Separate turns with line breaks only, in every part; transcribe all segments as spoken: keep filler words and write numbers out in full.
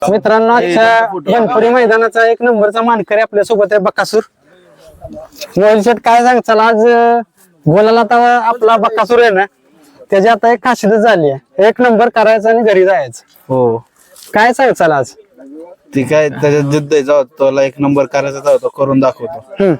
मित्रांनो आजच्या बनपुरी मैदानाचा एक नंबरचा मानकरी आपल्या सोबत आहे बकासूर. मोहिल शेट काय सांगचाल आज गोलाला आता आपला बकासूर आहे ना त्याची आता एक खासियत झाली आहे, एक नंबर करायचा आणि घरी जायचं.
हो
काय सांगचाल आज?
ती काय त्याच्यात जिद्द आहे, जाऊ त्याला एक नंबर करायचा जाऊ तो करून दाखवतो.
हम्म.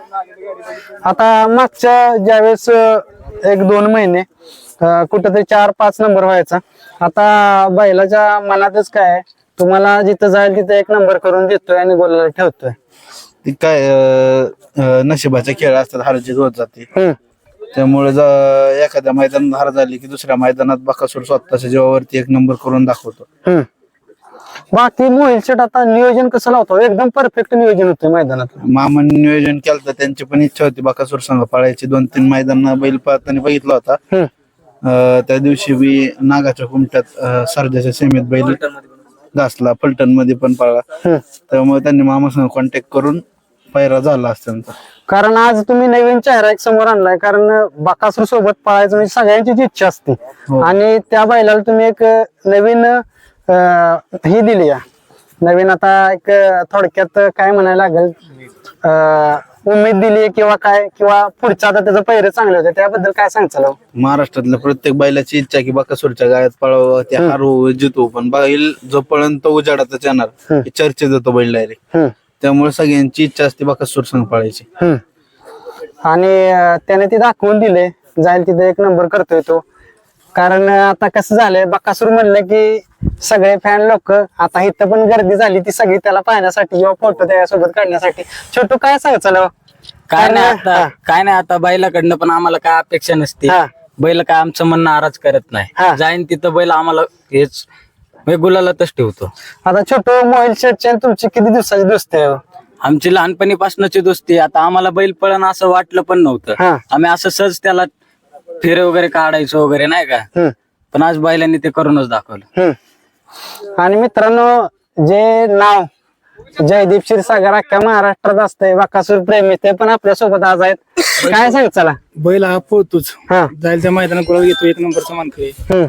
आता मागच्या ज्यावेळेस अं, एक दोन महिने अं, कुठेतरी चार पाच नंबर व्हायचा, आता बैलाच्या मनातच काय आहे, तुम्हाला जिथं जाईल तिथे एक नंबर करून देतोय आणि गोलाला ठेवतोय.
ती काय अं, अं, नशिबाचे खेळ असतात, हारजीत होत जाते.
हम्म.
त्यामुळे ज- एखाद्या मैदानात हार झाली की दुसऱ्या मैदानात बकासूर स्वतःच्या जीवावरती एक नंबर करून दाखवतो.
हम्म. बाकी मोहिल शेट आता नियोजन कसं लावतो? एकदम परफेक्ट नियोजन होतं मैदानात.
मामाने नियोजन केलं तर त्यांची पण इच्छा होती बकासूर संघ पळायची. दोन तीन मैदान बैल पळताना बघितला होता.
हम्म.
अं, त्या दिवशी बी नागाच्या कुमट्यात अं, सर्जाच्या सेमीत बैल घासला, फलटण मध्ये पण पळला.
हम्म.
त्यामुळे त्यांनी मामासंग कॉन्टॅक्ट करून पायरा झाला असता त्यांचा.
कारण आज तुम्ही नवीन चेहरा एक समोर आणलाय, कारण बकासूर सोबत पळायचं म्हणजे सगळ्यांचीच इच्छा असते
हो.
आणि त्या बैलाला तुम्ही एक नवीन अं, ही दिली आहे. नवीन आता एक थोडक्यात काय म्हणायला लागेल, अं, उमेद दिली किंवा काय, किंवा पुढचं आता त्याचं पहिरे चांगले होते, त्याबद्दल काय सांगचाल?
महाराष्ट्रातल्या प्रत्येक बैलाची इच्छा की बकासूरच्या गायात पळावं, ते हारू जितू, पण बैल जोपर्यंत उजाडातच येणार हे चर्चेत येतो बैल डायरेक्ट.
हम्म.
त्यामुळे सगळ्यांची इच्छा असते बकासूर संघ पळायची.
हम्म. आणि अं, त्याने ते दाखवून दिले, जाईल तिथे एक नंबर करतोय तो. कारण अं, आता कसं झालंय, बकासूर म्हणलं की सगळे फॅन लोक, आता इथं पण गर्दी झाली ती सगळी त्याला पाहण्यासाठी किंवा फोटो त्याच्यासोबत काढण्यासाठी. छोटू काय सांगचाल?
काय नाही आता काय नाही आता बैलाकडनं पण आम्हाला काय अपेक्षा नसते.
हा.
बैल काय आमचं म्हणणं नाराज करत
हा.
नाही, जाईन तिथं बैल आम्हाला हेच गुलालातच ठेवतो.
आता छोटू मोहिल शेटची आणि तुमची किती दिवसाची दोस्ती आहे?
आमची लहानपणीपासूनची दोस्ती. आता आम्हाला बैल पळण असं वाटलं पण नव्हतं.
हा.
आम्ही असं सहज त्याला फेरे वगैरे काढायचो वगैरे नाही का,
हम्म.
पण आज बैलांनी ते करूनच दाखवलं.
हम्म. आणि मित्रांनो, जे नाव जयदीप क्षीरसागर अख्ख्या महाराष्ट्रात असतंय बकासूर प्रेमी, ते पण आपल्या सोबत आज आहेत. काय सांग चला?
बैल हा पळतोच,
हा.
जाईल त्या मैदानात गोळा घेतो, एक नंबरचा मानकरी
हम्म.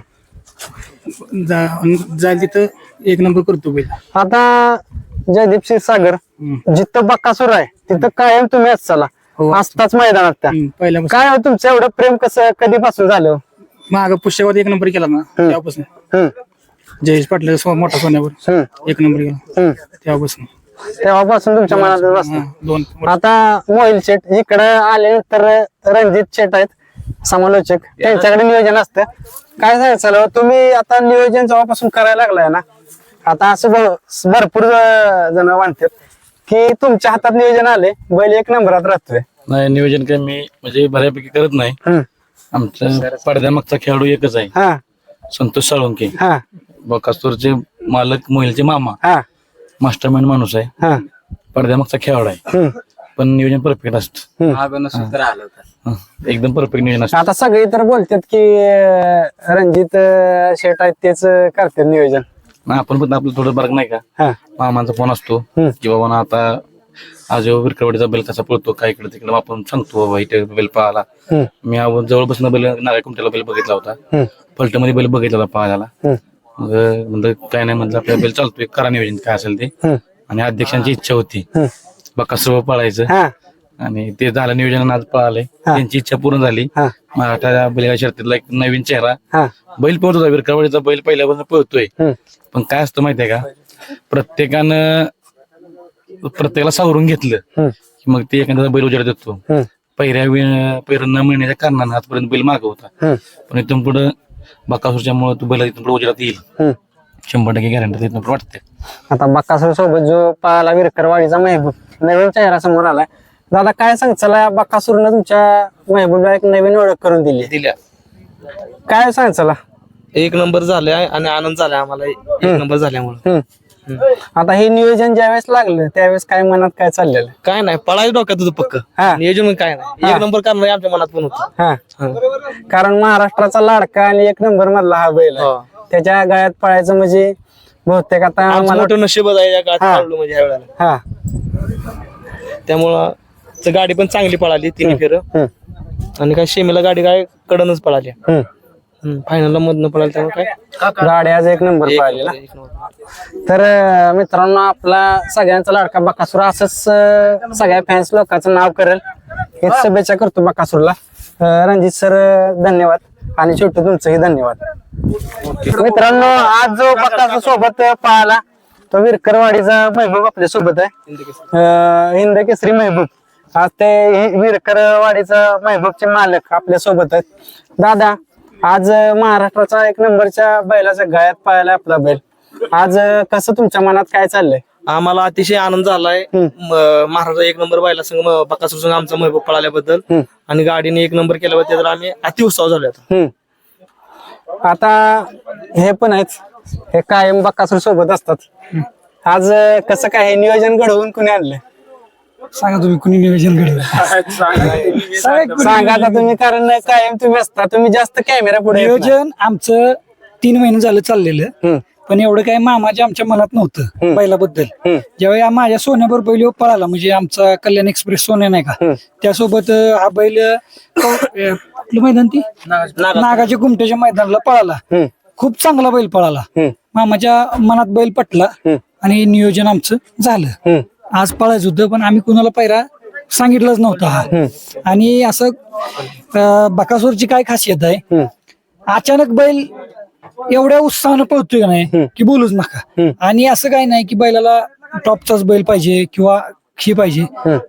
जा- जाईल तिथं एक नंबर करतो बैल.
आता जयदीप क्षीरसागर जिथं बकासूर आहे तिथं कायम तुम्ही असताला
हो.
असताच मैदानात त्या.
हम्म, पहिल्यापासून
काय हो तुमचं एवढं प्रेम कसं कधीपासून झालं?
माग पुष्यवाद एक नंबर केला ना तेव्हापासून.
हम्म.
जयेश पाटला सो- मोठा सोन्यावर
हम्म.
एक नंबर केला
हम्म.
तेव्हापासून.
तेव्हापासून तुमच्या मनात बसलं.
हा, दोन
आता मोहिल शेट इकडे आल्यानंतर रणजित शेट आहेत समालोचक, त्यांच्याकडे नियोजन असतं. काय सांगायचं तुम्ही आता नियोजन जेव्हापासून करायला लागलाय ना, आता असं भ- भरपूर जण म्हणतात की तुमच्या हातात नियोजन आले, बैल एक नंबरात राहतोय.
नाही नियोजन काही मी म्हणजे बऱ्यापैकी करत नाही.
हम्म.
आमचा पडद्यामागचा खेळाडू एकच आहे,
हा
संतोष साळुंके.
हा
बकासूरचे मालक मोहिलचे मामा,
हा
मास्टरमाइंड माणूस आहे,
हा
पडद्यामागचा खेळाडू आहे.
हम्म.
पण नियोजन परफेक्ट असतं.
मागं नसून तर आलं होतं.
हं, एकदम परफेक्ट नियोजन असतं.
आता सगळे तर बोलतात की अं, रणजित अं, शेट आहेत तेच अं, करतात नियोजन.
मग आपण पण आपलं थोडं बरं नाही का,
हा
मामांचा फोन असतो
हम्म.
की बाबा ना आता आज विरकरवाडीचा बैल कसा पळतो, काय इकडे तिकडे आपण सांगतो बाबा इथे बैल पळाला.
हम्म.
मी आव- जवळ बसून बैल नागाय कुमट्याला बैल बघितला होता,
हम्म.
फलटणमध्ये बैल बघितला होता पळायला.
हम्म.
मग म्हणलं काय नाही, म्हणलं आपल्या बैल चालतोय, करा नियोजन काय असेल ते.
हम्म.
आणि अध्यक्षांची इच्छा होती
हम्म.
बकासूर पळायचं,
हा
आणि ते झालं नियोजन, आज पळालंय.
हा.
त्यांची इच्छा पूर्ण झाली.
हा
मराठा बैलगाडी शर्यतीतला एक नवीन चेहरा,
हा
बैल पळत होता, विरकरवाडीचा बैल पहिल्यापासून पळतोय.
हम्म.
पण काय असतं माहितीये का, प्रत्येकानं प्रत्येकाला सावरून घेतलं
हम्म.
की मग ते एखाद्याचा बैल उजाड देतो.
हम्म.
पहिल्या पहिल्या न मिळण्याच्या कारणानं आजपर्यंत बैल माग होता,
हम्म.
पण इथून पुढे बकासूरच्या मुळे तू बैल इथून पुढे उजाडात येईल,
हम्म.
शंभर टक्के गॅरंटी इथून पुढे वाटते.
आता बकासूर सोबत जो पाहाला विरकरवाडीचा महबूब नवीन चेहरा समोर आलाय. दादा काय सांग चला, बकासूरनं तुमच्या महबूबला एक नवीन ओळख करून दिली,
दिल्या
काय सांग चला?
एक नंबर झालाय आणि आनंद झालाय आम्हाला एक नंबर झाल्यामुळे.
हम्म. आता हे नियोजन ज्यावेळेस लागलं त्यावेळेस काय मनात काय चाललेलं?
काय नाही पळायचं डोक्यात तुझं पक्क
हा.
नियोजन म्हणून काय नाही, एक नंबर करणार आमच्या मनात पण होत.
हा कारण महाराष्ट्राचा लाडका आणि एक नंबर मधला हा बैल आहे.
हो.
त्याच्या गळ्यात पळायचं म्हणजे बहुतेक आता मला
मोठं नशीबच आहे या काळात
हा.
पळलो म्हणजे ह्या वेळेला.
हा
त्यामुळं च गाडी पण चांगली पळाली तिन्ही फेर,
हम्म.
आणि काय शेमीला गाडी काय कडनच पळाली.
हम्म.
फायनल मधनं पडायला त्यामुळे काय
गाडी आज एक नंबर
एक
पाहिलेला
नंबर, एक नंबर.
तर अं, मित्रांनो आपला सगळ्यांचा लाडका बकासूर असंच अं, सगळ्या फॅन्स लोकांचं नाव करेल हेच शुभेच्छा करतो बकासूरला. अं, रणजित सर धन्यवाद आणि छोटू तुमचंही धन्यवाद. मित्रांनो आज जो बकासूर सोबत पाहिला तो विरकरवाडीचा महबूब आपल्या सोबत आहे. अं, हिंद केसरी महबूब. आज ते विरकरवाडीचा महबूबचे मालक आपल्या सोबत आहेत. दादा आज महाराष्ट्राचा एक नंबरच्या बैलाच्या गळ्यात पाहायला आपला बैल. आज कसं तुमच्या मनात काय चाललंय?
आम्हाला अतिशय आनंद झालाय महाराष्ट्र एक नंबर बायला संघ बकासूर संघ आमचा महबूब पळाल्याबद्दल आणि गाडीने एक नंबर केल्याबद्दल तर आम्ही अतिउत्साह झालो आता.
हम्म. आता हे पण आहेत हे कायम बकासूर सोबत असतात. आज कसं काय हे नियोजन घडवून कुणी आणलंय
सांगा तुम्ही कुणी नियोजन घडलं
सांगा आता तुम्ही, कारण कायम तुम्ही असता, तुम्ही जास्त कॅमेरा पुढे येत नाही.
नियोजन आमचं तीन महिने झालं चाललेलं
हम्म.
पण एवढं काही मामाच्या आमच्या मनात नव्हतं बैलाबद्दल.
हम्म.
ज्यावेळी माझ्या सोन्यावर बैल पळाला म्हणजे आमचा कल्याण एक्सप्रेस सोन्या नाही का त्यासोबत अं, हा बैल अं, कुठलं मैदान ती नागाच्या गुमट्याच्या मैदानाला पळाला.
हम्म.
खूप चांगला बैल पळाला.
हम्म.
मामाच्या मनात बैल पटला आणि नियोजन आमचं झालं.
हम्म.
आज पळायचं होतं पण आम्ही कुणाला पायरा सांगितलंच नव्हता हा. आणि असं अं, बकासूरची काय खासियत आहे अचानक बैल एवढ्या उत्साहानं पळतोय का नाही की बोलूच नका. आणि असं काही नाही की बैलाला टॉपचाच बैल पाहिजे किंवा ही पाहिजे.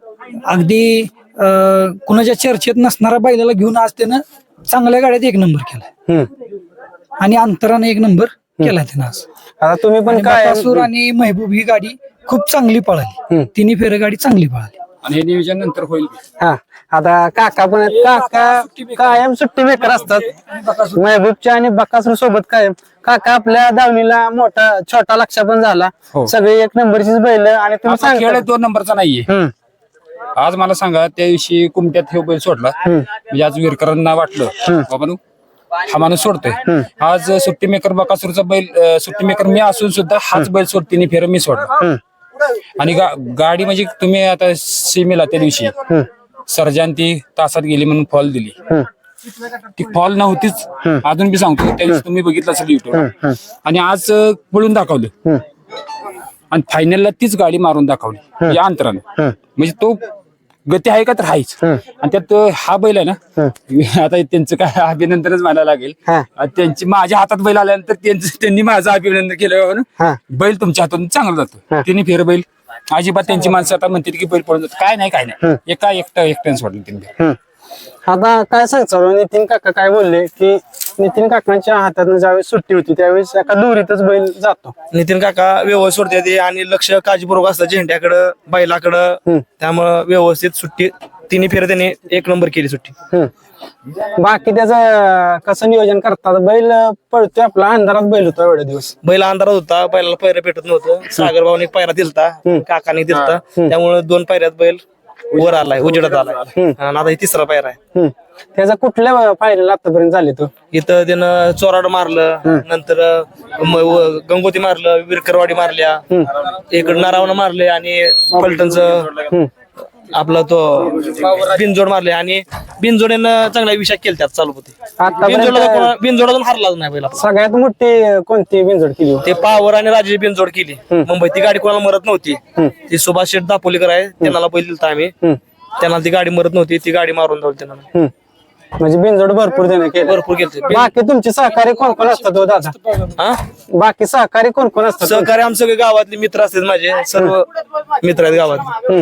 अगदी अं, कुणाच्या चर्चेत नसणारा बैलाला घेऊन आज त्यानं चांगल्या गाड्यात एक नंबर केलाय
हम्म.
आणि अंतराने एक नंबर केलाय त्यानं आज.
आता तुम्ही पण काय
बकासूर आणि महबूब ही गाडी खूप चांगली पळाली. तिन्ही फेर गाडी चांगली पळाली
आणि हे नियोजन नंतर होईल.
हा आता काका पण आहेत. काका कायम सुट्टी मेकर असतात महबूबच्या आणि बकासूर सोबत कायम. काका आपल्या दावणीला मोठा छोटा लक्ष पण झाला. सगळे एक नंबरचीच बैल आणि तुम्ही
आता खेळ
सांगता
दोन नंबरचा नाहीये.
हम्म.
आज मला सांगा त्या दिवशी कुमट्यात हे बैल सोडला म्हणजे आज विरकरांना वाटलं बाबा नु हा माणूस सोडतोय. आज सुट्टी मेकर बकासूरचा बैल अं, सुट्टी मेकर मी असून सुद्धा हाच बैल सोड तिने फेर मी सोडला. आणि गा- गाडी म्हणजे तुम्ही आता सीमेला त्या दिवशी सर्जन ती तासात गेली म्हणून फॉल दिली. ती फॉल नव्हतीच अजून बी सांगतो त्या दिवशी तुम्ही बघितलं असेल युट्यूब. आणि आज अं, पळून दाखवलं आणि फायनलला तीच गाडी मारून दाखवली या अंतरानं. म्हणजे तो गती आहे का तर आहेच. आणि त्यात हा बैल आहे ना आता त्यांचं काय अभिनंदनच मानायला लागेल. आणि त्यांची माझ्या हातात बैल आल्यानंतर त्यांचं त्यांनी माझं अभिनंदन केलं म्हणून बैल तुमच्या हातून चांगला जातो. त्यांनी फेर बैल अजिबात त्यांची माणसं आता म्हणतात की बैल पळून जातो. काय नाही काय नाही एका एकटा एकट्यानं सोडलं त्यांनी.
आता काय सांगतो नितीन काका काय बोलले की नितीन काकांच्या हातात ज्यावेळेस सुट्टी होती त्यावेळेस एका दोरीतच बैल जातो.
नितीन काका व्यवस्थित सोडते ते आणि लक्ष काळजीपूर्वक असतं झेंड्याकडं बैलाकडं. त्यामुळं व्यवस्थित सुट्टी तिन्ही फेर त्याने एक नंबर केली सुट्टी.
हम्म. बाकी त्याचं कसं नियोजन करतात? बैल पळतोय आपला अंधारात बैल होता एवढे दिवस.
बैल अंधारात होता बैलाला पायऱ्या भेटत नव्हतं. सागर भाऊने पायरा दिलता काकाने दिलता त्यामुळे दोन पायऱ्यात बैल वर आलाय उजेडात आलाय आणि आता हे तिसरा पायरा आहे.
हम्म. त्याचा कुठल्या पायरीला आतापर्यंत झाले तो?
इथं त्यानं चोराड मारलं नंतर म- व- गंगोती मारलं विरकरवाडी मारल्या इकडं नारावणं मारले आणि पलटणचं आपला तो बिनजोड मारले आणि बिनजोडीनं चांगला विषय केला त्यात चालू होते.
आतापर्यंत
बिनजोडातून हारलाच नाही बैल आपला.
सगळ्यात मोठी कोणती बिनजोड केली?
ते पावर आणि राजे बिनजोड केली मुंबईत. ती गाडी कोणाला मरत नव्हती. ती सुभाष शेठ दापोलीकर आहे त्यांना बैल दिलता आम्ही. त्यांना ती गाडी मरत नव्हती ती गाडी मारून जाऊ त्यांना
हम्म. म्हणजे बिनजोड भरपूर देणे केले.
भरपूर केलते.
बाकी तुमचे सहकारी कोण कोण असतात हो दादा?
हा
बाकी सहकारी कोण कोण असतात?
सहकारी आमचे सगळे गावातले मित्र असतात माझे सर्व मित्र आहेत गावातले.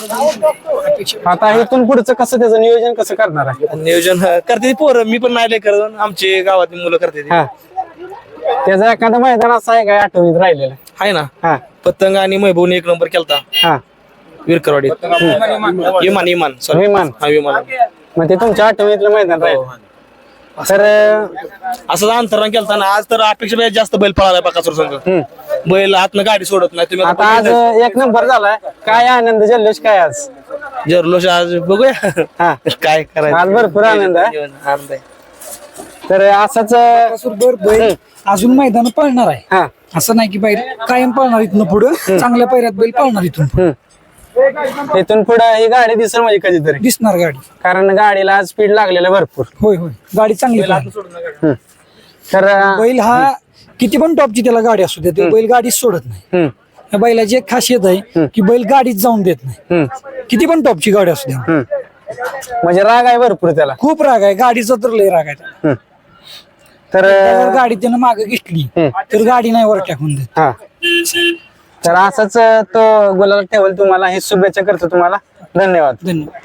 आता इथून पुढचं कसं त्याचं नियोजन कसं करणार आहे?
नियोजन करते पोरं मी पण नाही करत आमचे गावातली मुलं करते ते.
हा त्याचं एखादं मैदान असं आहे काय आठवणीत राहिलेलं?
आहे ना
हा
पतंग आणि महबूबने एक नंबर केलता
हा
विरकरवाडीत. विमान विमान सॉरी
विमान.
हा विमान
मग ते तुमच्या आठवणीतलं मैदान राहील. तर
असं अंतरान केलता ना. आज तर अपेक्षा जास्त बैल पळाला बकासूर संघ. बैल आतनं गाडी सोडत नाही तुम्ही
आता आज एक नंबर झालाय. काय आनंद जल्लोष काय आज?
जरलोश आज बघूया
हा
काय करायचं.
आज भरपूर आनंद आहे.
आनंद आहे.
तर असंच
बरोबर बैल अजून मैदान पळणार आहे.
हा
असं नाही की बैल कायम पळणार इथनं पुढं चांगल्या पैऱ्यात बैल पळणार इथून पुढं.
इथून पुढे ही गाडी दिसेल म्हणजे कधीतरी,
दिसणार गाडी.
कारण गाडीला स्पीड लागलेलं भरपूर.
होय होय गाडी चांगली पळाली.
हम्म. तर अं,
बैल हा किती पण टॉपची त्याला गाडी असू दे ते बैल गाडीच सोडत नाही.
हम्म,
या बैलाची एक खासियत आहे की बैल गाडीच जाऊन देत नाही.
हम्म,
किती पण टॉपची गाडी असू द्या.
हम्म. म्हणजे राग आहे भरपूर त्याला.
खूप राग आहे गाडीचा तर लय राग आहे त्याला.
हम्म. तर
जर
अं,
गाडी त्यानं मागे घेतली तर गाडी नाही वर टाकून देत.
हा तर असाच तो गुलाल ठेवल. तुम्हाला ही शुभेच्छा करतो. तुम्हाला धन्यवाद.
धन्यवाद.